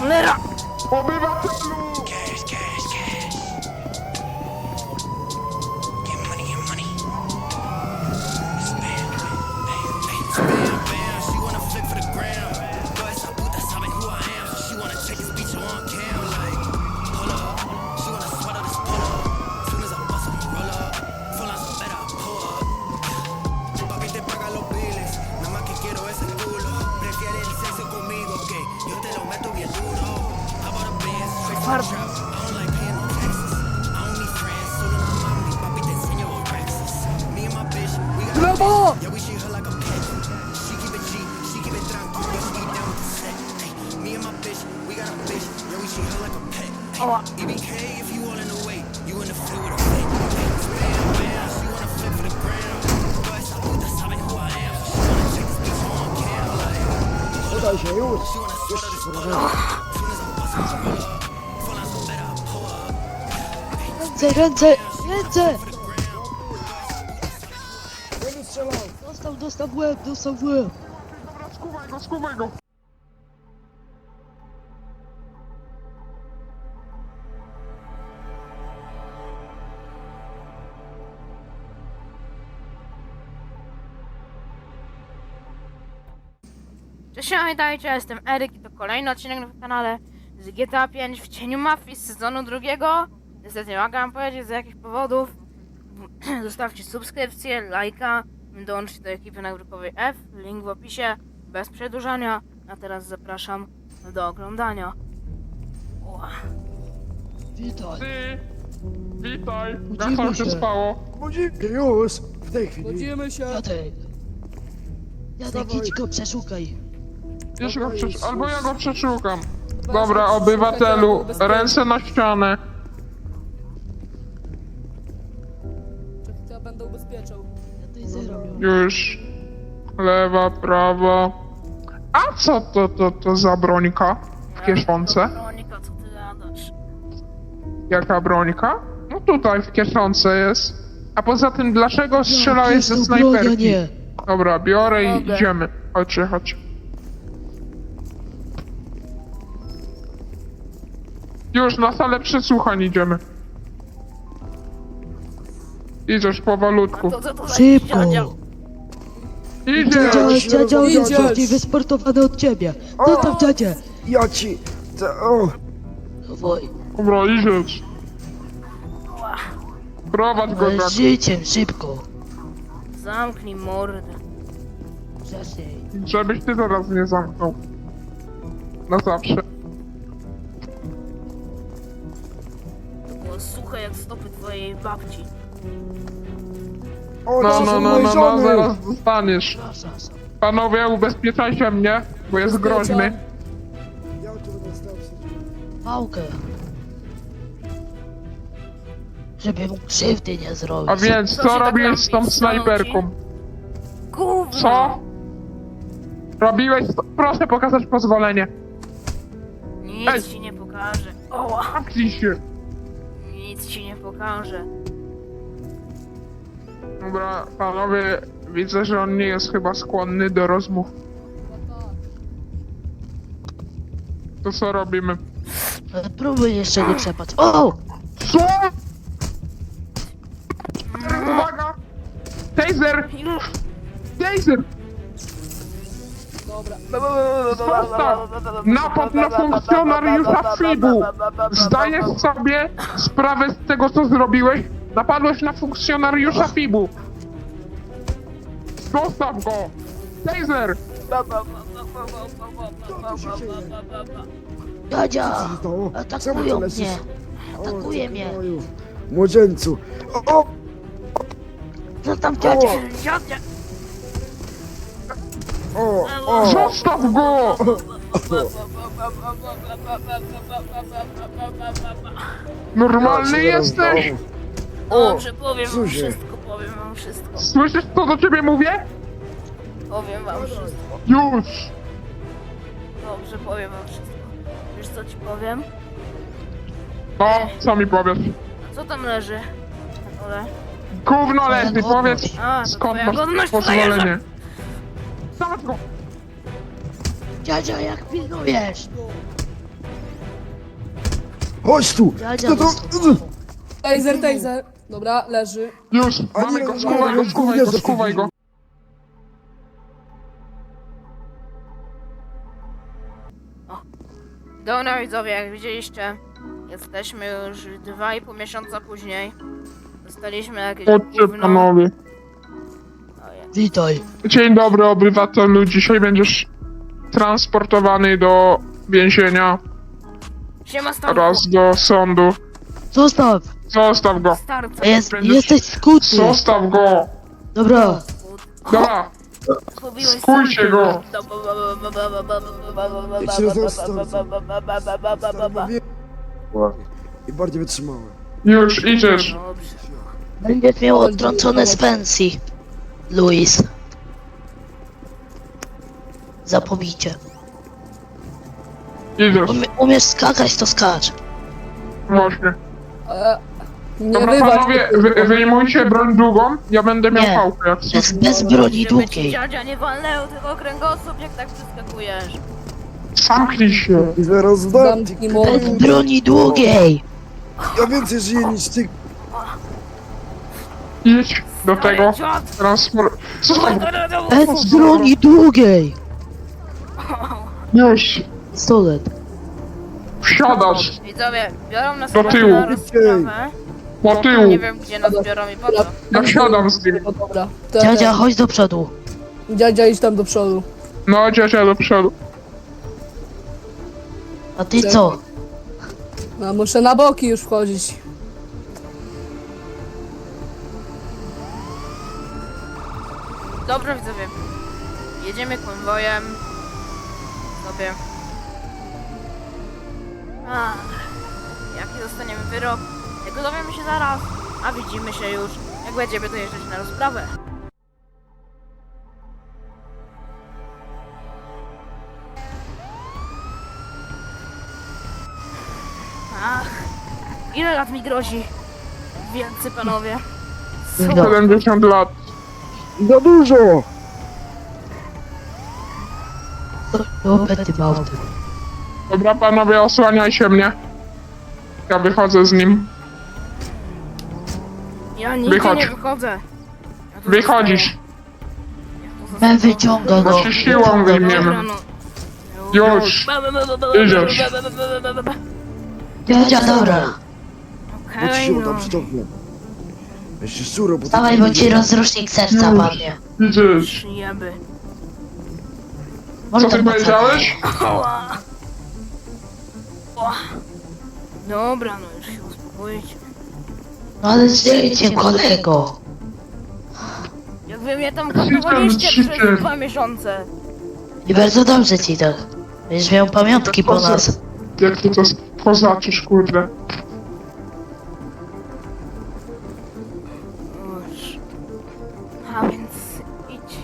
Cholera! Obywatelu! Farba. Brawo! Ała. Podaj się już! Ręce! Ręce! Będę strzelał! Dostał w łeb, dostał w łeb! Dobra, skuwaj go! Cześć, witajcie, ja jestem Eryk i to kolejny odcinek na kanale z GTA 5 w cieniu mafii z sezonu drugiego. Niestety nie mogę wam powiedzieć z jakich powodów. Zostawcie subskrypcję, lajka, dołączcie do ekipy nagrykowej F, link w opisie, bez przedłużania. A teraz zapraszam do oglądania. Ła. Witaj! Witaj! Budzimy Jak tam się się. spało? Budzimy już! W tej chwili! Budzimy się! Jadek! Jadek, idź go przeszukaj! Wiesz go albo ja go przeszukam. Dobra, obywatelu, ręce na ścianę. Ja będę ubezpieczał. Ja tutaj zero miał. Już. Lewa, prawa. A co to za brońka w kieszonce? Monika, co ty gadasz? Jaka brońka? No tutaj w kieszonce jest. A poza tym, dlaczego strzelałeś jest ze to broń, a snajperki? nie! Dobra, biorę i Mogę. idziemy. Chodźcie. Już na salę przesłuchań idziemy. Idziesz powolutku. To co to za Szybko! dziadzio? Idziesz! Dziadzio jest Idziesz. bardziej wysportowany od ciebie! No tam dziadzie! Ja ci... O, Dawaj! Dobra, idziesz. Prowadź go Ale tak. życiem, szybko! Zamknij mordę. Wcześniej! Żebyś ty zaraz nie zamknął. Na zawsze. To było suche jak stopy twojej babci. o, No, to są moje żony. zaraz dostaniesz. Przepraszam. Panowie, ubezpieczajcie mnie, bo jest groźny. Ja tu będę stał przy... Pałkę! Żeby mu krzywdy nie zrobić. A więc, Co się co tak robiłeś z tą robi? snajperką? Gówno! Co? Robiłeś... Proszę pokazać pozwolenie. Nic Ej. ci nie pokaże. Oła! Zamknij się. Nic ci nie pokaże. Dobra, panowie, widzę, że on nie jest chyba skłonny do rozmów. To co robimy? Próbuj jeszcze nie przepać. O! Co? Uwaga! Taser! Już! Taser! Dobra. Zostaw! Napad na funkcjonariusza FIB-u! Zdajesz sobie sprawę z tego, co zrobiłeś? Napadłeś na funkcjonariusza FIB-u! Zostaw go! Taser! Dziadzia! To, Atakują mnie! Atakuje mnie! Młodzieńcu. O, Co tam dziadzia? Dziadzia! o. Zostaw go! Normalny jesteś? Dobrze, powiem wam Zuzie. wszystko, powiem wam wszystko. Słyszysz, co do ciebie mówię? Powiem wam wszystko. Już! Dobrze, powiem wam wszystko. Wiesz co ci powiem? No, co mi powiesz? Co tam leży? Na dole? Gówno leży, powiedz A, to skąd twoja masz godność pozwolenie. Dawać go! Dziadzia, jak pilnujesz? Chodź tu! Dziadzia Kto to? dostał. Taser. Dobra, leży. Już, A mamy nie, go, nie, skuwaj go, nie, skuwaj nie, go, nie, skuwaj go. Dobra widzowie, jak widzieliście, jesteśmy już 2,5 miesiąca później. Dostaliśmy jakieś Chodźcie gówno. panowie. Ojej. Witaj. Dzień dobry obywatelu, dzisiaj będziesz transportowany do więzienia Siema Stanku. oraz do sądu. Zostaw. Zostaw go, Starca. Jesteś skutny. zostaw go. Dobra. Dobra, Zgubiłeś skójcie go. Jak się został, I bardziej wytrzymałe. Już idziesz. Dobrze. Będziesz miał odtrącone z pensji. Luis. Za pobicie. Idziesz, Umiesz skakać, to skacz. właśnie. Nie Dobra wywal. panowie, wyjmujcie broń długą, ja będę miał Nie. pałkę jak coś. Bez broni Żeby ci długiej. dziadzia nie walnęło tylko kręgosłup, jak tak przeskakujesz. Zamknij się. I zaraz dam. Zamknij mordę. Bez broni długiej. Ja więcej żyję niż ty. Idź do tego Dziad! transport... Zostaw go. Bez broni długiej. Już, Pistolet. wsiadasz Widzowie, biorą nas Do chyba tyłu. na rozprawę. po tyłu. Nie wiem gdzie nas biorą i po co. Ja wsiadam z nim. No dobra. Dziadzia, chodź do przodu. Dziadzia, idź tam do przodu. No, dziadzia do przodu. A ty co? No, muszę na boki już wchodzić. Dobrze widzowie. Jedziemy konwojem. Sobie. Ach, jaki dostaniemy wyrok? Tego dowiemy się zaraz. A widzimy się już, jak będziemy dojeżdżać na rozprawę. Ach, ile lat mi grozi? Wielcy panowie. Co? No. 70 lat. Za dużo! Opety małty. Dobra panowie, osłaniajcie mnie. Ja wychodzę z nim. Ja nigdzie Wychodź. nie wychodzę. Ja tu Wychodzisz. zostaję. Ja tu zostaję. Men wyciąga go. Bo się siłą wyjmiemy. Dobra, no. Już. Idziesz. Dziadzia, dobra. Bo ci Okej, się no. uda przytomnie. Jeszcze szuro, bo... Dawaj, bo ci rozrusznik serca Już. padnie. Idziesz. Przyjeby. Co Może ty tak powiedziałeś? Ała. Ła. Dobra, no już się uspokójcie. No ale żyjcie, kolego. Jak wy mnie tam kotowaliście przez 2 miesiące. I bardzo dobrze ci tak. Będziesz miał pamiątki po nas. Jak ty to poznaczysz, kurde. Już. A więc idź.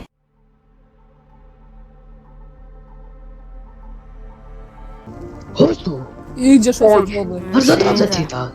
Chodź tu. Idziesz Chodź. osobowy. Bardzo dobrze ci tak.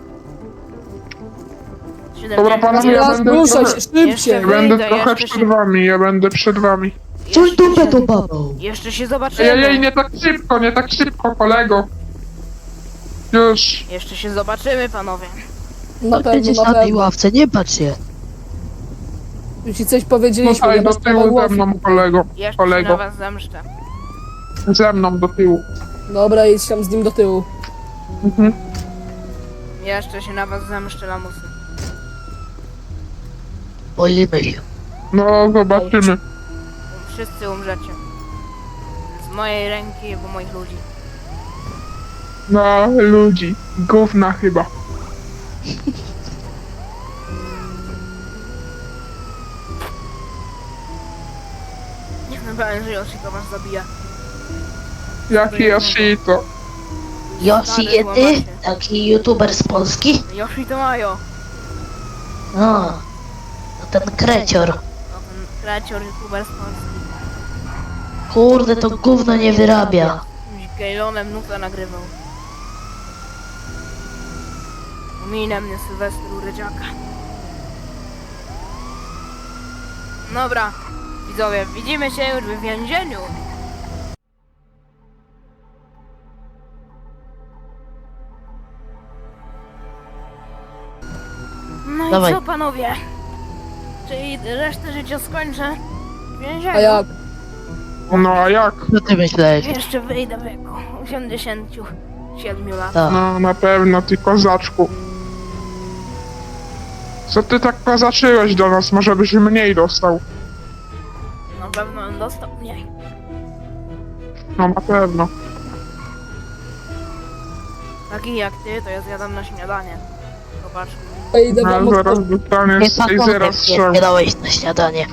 Dobra panowie, ja Teraz będę ruszaj trochę... się szybciej. Jeszcze Będę Wyjdę, trochę jeszcze przed się- wami, ja będę przed wami. Czuj dupę tą babą. Jeszcze się zobaczymy. Ej, nie tak szybko, kolego. Już. Jeszcze się zobaczymy, panowie. Na pewno, Będziesz na na tej pewno. ławce, nie patrz się. Już ci coś powiedzieliśmy, Tutaj nie do masz prawa tyłu ze głosu. mną, kolego. Jeszcze się na Kolego. was zemszczę. Ze mną do tyłu. Dobra, idź tam z nim do tyłu. Mhm. Jeszcze się na was zemszczę, lamusy. Bolimy się. No, zobaczymy. Wszyscy umrzecie. Z mojej ręki i po moich ludzi. No, ludzi. Gówna chyba. Nie wiem, że Yoshiko was zabija. Jaki Yoshito. Yoshi Yety, taki youtuber z Polski. Yoshi to Majo. No, to ten krecior. No ten kreator youtuber z Polski. Kurde, to gówno nie wyrabia. Z Gejlonem nutę nagrywał. Ominę mnie Sylwestru Rydziaka. Dobra, widzowie, widzimy się już w więzieniu. No Dawaj. i co, panowie? Czyli resztę życia skończę w więzieniu? A jak? No a jak? Co ty myślałeś? Jeszcze wyjdę w wieku 87 lat. Tak. No na pewno, ty kozaczku. Co ty tak kozaczyłeś do nas? Może byś mniej dostał? Na pewno bym dostał mniej. No na pewno. Taki jak ty, to ja zjadam na śniadanie. Zobacz. To idę No wam ale zaraz od... dostaniesz z tej zera strzał. Nie dałeś na śniadanie.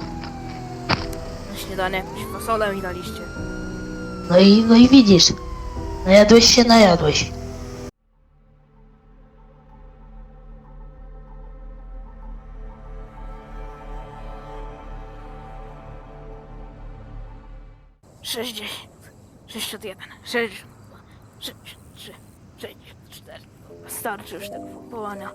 Na śniadanie jakąś fasolę mi daliście. No i widzisz. Najadłeś się, najadłeś. Sześćdziesiąt, 61, 62, 63, 64. Starczy już tego pompowania.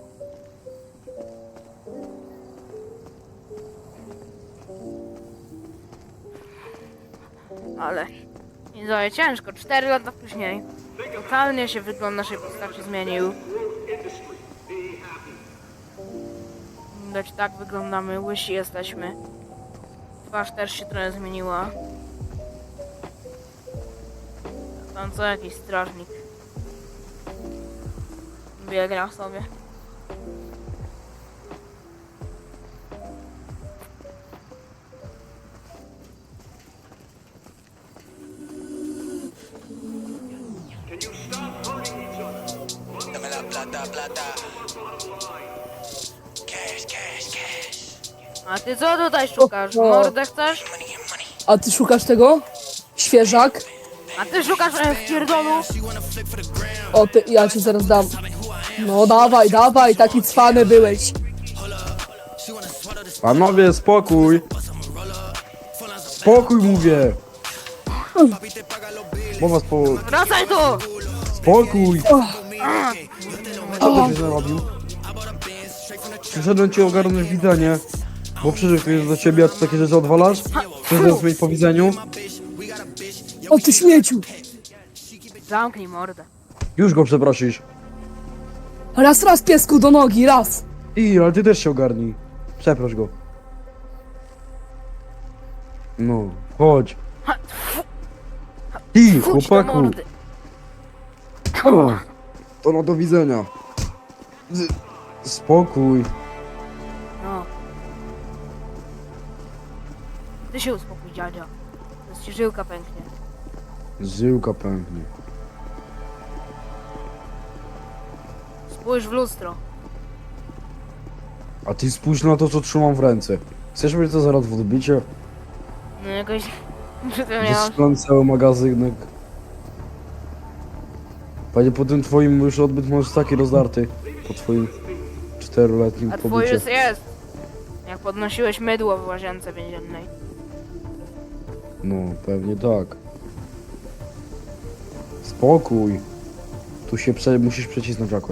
Ale nie daje ciężko, 4 lata później. Totalnie się wygląd naszej postaci zmienił. Widać, tak wyglądamy, łysi jesteśmy. Twarz też się trochę zmieniła. Tam co jakiś strażnik biega sobie. Dame la plata, plata. Cash, cash, cash. A ty co tutaj szukasz? Mordę chcesz? Money, money. A ty szukasz tego? Świeżak? A ty szukasz w pierdolu? O, ty, ja ci zaraz dam. No dawaj, dawaj, taki cwany byłeś. Panowie, spokój! Spokój mówię! Mowa Wracaj tu! Spokój! Co ty się narobił? Przyszedłem ci ogarnąć widzenie, bo przyszedł ktoś do ciebie, a ty takie rzeczy odwalasz? Chcesz mieć po widzeniu? O ty śmieciu. Zamknij mordę. Już go przeprosisz. Raz, raz piesku do nogi, raz. Ale ty też się ogarnij. Przeproś go. No, chodź. Ty, Fuć do chłopaku. mordy. O, to no do widzenia. Spokój. No. Ty się uspokój, dziadzio. Zaraz ci żyłka pęknie. Żyłka pęknie. Spójrz w lustro. A ty spójrz na to, co trzymam w ręce. Chcesz mieć to zaraz w odbicie? No jakoś... Przy tym miałam... Wyschłem cały magazynek. Panie, po tym twoim już odbyt masz taki rozdarty. Po twoim 4-letnim A twój pobycie. już jest. Jak podnosiłeś mydło w łazience więziennej. No, pewnie tak. Spokój. Tu się musisz przecisnąć jakoś.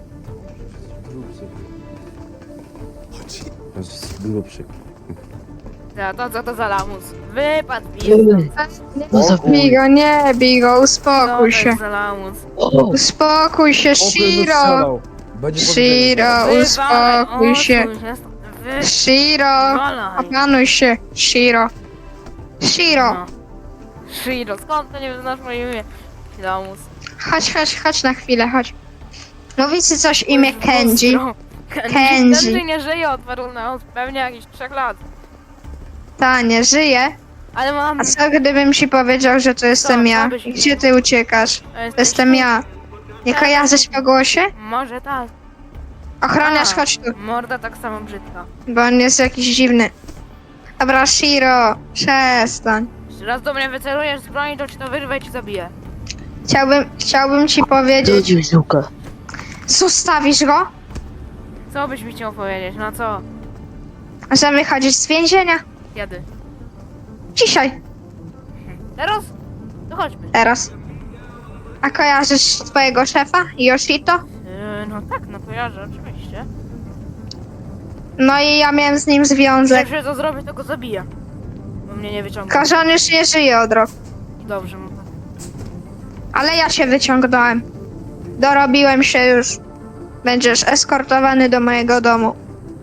Grubszy. To co to za lamus? Wypadł pizdy. No za Bigo, nie, Bigo, Co uspokój to się. jest za lamus? Uspokój się, Shiro! Będzie Shiro, uspokój się. Shiro, Walaj. opanuj się, Shiro. Shiro, No. Shiro, skąd to nie znasz moje imię? Lamus. chodź na chwilę, chodź. Mówi ci coś imię Kenji. Kenji. Kenji nie żyje od paru lat, pewnie jakichś 3 lat. Ta, nie żyje. Ale mam... A co gdybym ci powiedział, że to jestem ja? byś I gdzie ty uciekasz? To Jesteś jestem ja. Nie kojarzysz po głosie? Może tak. Ochroniarz, A, chodź tu, Morda tak samo brzydka. bo on jest jakiś dziwny. Dobra, Shiro, przestań. Jeśli raz do mnie wycelujesz z broni, to ci to wyrwę i ci zabiję. Chciałbym ci powiedzieć... Rzucił żyłkę. Zostawisz go? Co byś mi chciał powiedzieć? No co? Że wychodzisz z więzienia? Kiedy? Dzisiaj, Teraz? To chodźmy. teraz. A kojarzysz twojego szefa, Yoshito? No tak, no kojarzę, oczywiście. No i ja miałem z nim związek. Jak co zrobię, to go zabiję. Bo mnie nie wyciąga. Tylko, że on już nie żyje od roku. Dobrze, no tak. Ale ja się wyciągnąłem. Dorobiłem się już. Będziesz eskortowany do mojego domu.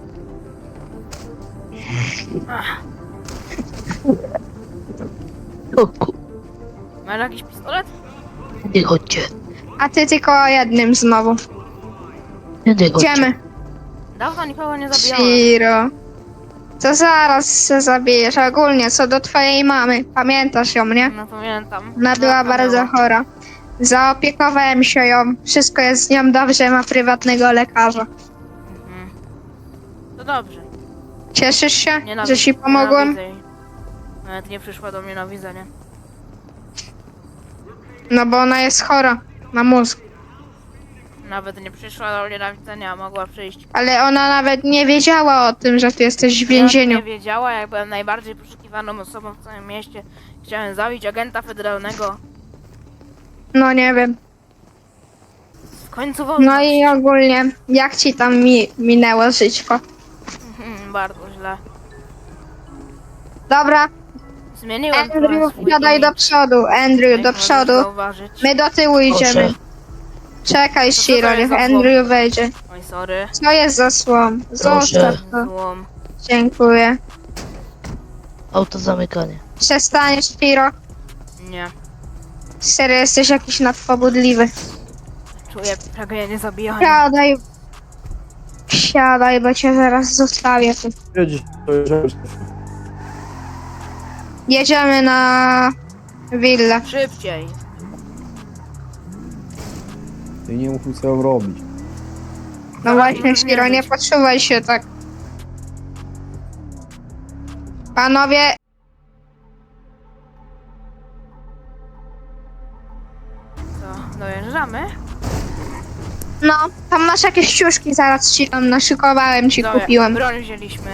Masz jakiś pistolet? Nie chodźcie. A ty tylko o jednym znowu. Nie chodźcie. Idziemy. Dawno nikogo nie zabijałem. Shiro. To zaraz się zabijesz. Ogólnie, co do twojej mamy. Pamiętasz ją, nie? No pamiętam. Ona była bardzo chora. Zaopiekowałem się ją. Wszystko jest z nią dobrze, ma prywatnego lekarza. Mhm. To dobrze. Cieszysz się, Nienawidzę. że ci pomogłem? Nienawidzę jej. Nawet nie przyszła do mnie na widzenie. No bo ona jest chora na mózg. Nawet nie przyszła do mnie na widzenie, a mogła przyjść. Ale ona nawet nie wiedziała o tym, że ty jesteś w więzieniu. Nie wiedziała, jak byłem najbardziej poszukiwaną osobą w całym mieście. Chciałem zabić agenta federalnego. No nie wiem. W końcu wolność. No i ogólnie, jak ci tam minęło żyćko? Bardzo źle. Dobra, Zmieniłem trochę Andrew, swój wsiadaj do imidż, przodu. Andrew, jak do możesz przodu. zauważyć. My do tyłu idziemy. Czekaj, co Shiro, to jest niech za Andrew wejdzie. Oj, sorry. Co jest za słom? Zostaw to. Złom. Dziękuję. Auto zamykanie. Przestaniesz, Shiro. Nie. Serio, jesteś jakiś nadpobudliwy. Czuję pragnienie zabijania. Siadaj. Siadaj, bo cię zaraz zostawię tu. Jedź, to jedziemy. Jedziemy na willę. Szybciej. Ty nie mów mi, co mam robić. No właśnie, Shiro, nie poczuwaj się tak. Panowie, Co, dojeżdżamy? no, tam masz jakieś ciuszki, zaraz ci tam naszykowałem, ci Dobra, kupiłem. broń wzięliśmy.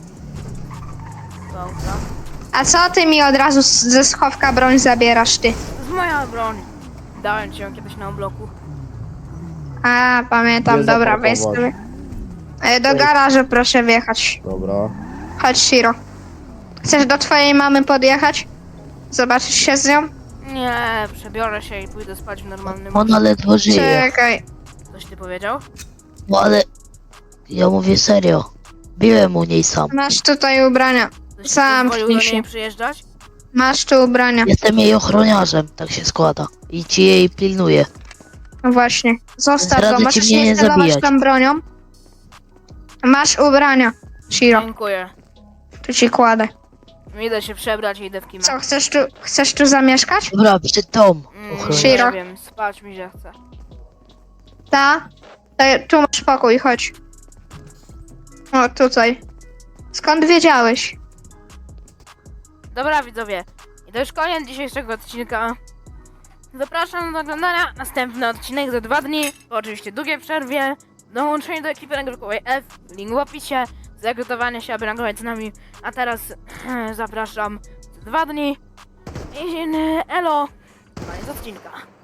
Do auta. A co ty mi od razu ze schowka broń zabierasz, ty? To jest moja broń. Dałem ci ją kiedyś na obloku. A, pamiętam, Gdzie dobra, weź zaparkować? sobie. Do garażu proszę wjechać. Dobra. Chodź, Shiro. Chcesz do twojej mamy podjechać? Zobaczysz się z nią? Nie, przebiorę się i pójdę spać w normalnym Ona ledwo żyje. Czekaj. Tak. Coś ty powiedział? No ale... Ja mówię serio. Biłem u niej sam. Masz tutaj ubrania. Ktoś ci Zamknij pozwolił do się. niej przyjeżdżać? Masz tu ubrania. Jestem jej ochroniarzem, tak się składa. I ci jej pilnuję. No właśnie. Zostaw go, Radzę ci możesz mnie nie nie celować zabijać. tam bronią. Masz ubrania, Shiro. Dziękuję. Tu ci kładę. Idę się przebrać i idę w kimę. Co, chcesz tu zamieszkać? Dobra, przed dom. Shiro. Nie wiem, spać mi się chce. Ta? Tu masz pokój, chodź. O, tutaj. Skąd wiedziałeś? Dobra widzowie, i to już koniec dzisiejszego odcinka. Zapraszam do oglądania następny odcinek za 2 dni, po oczywiście długiej przerwie. Dołączenie do ekipy nagrywkowej F, link w opisie, zagotowanie się, aby nagrywać z nami. A teraz zapraszam za 2 dni. I elo, koniec odcinka.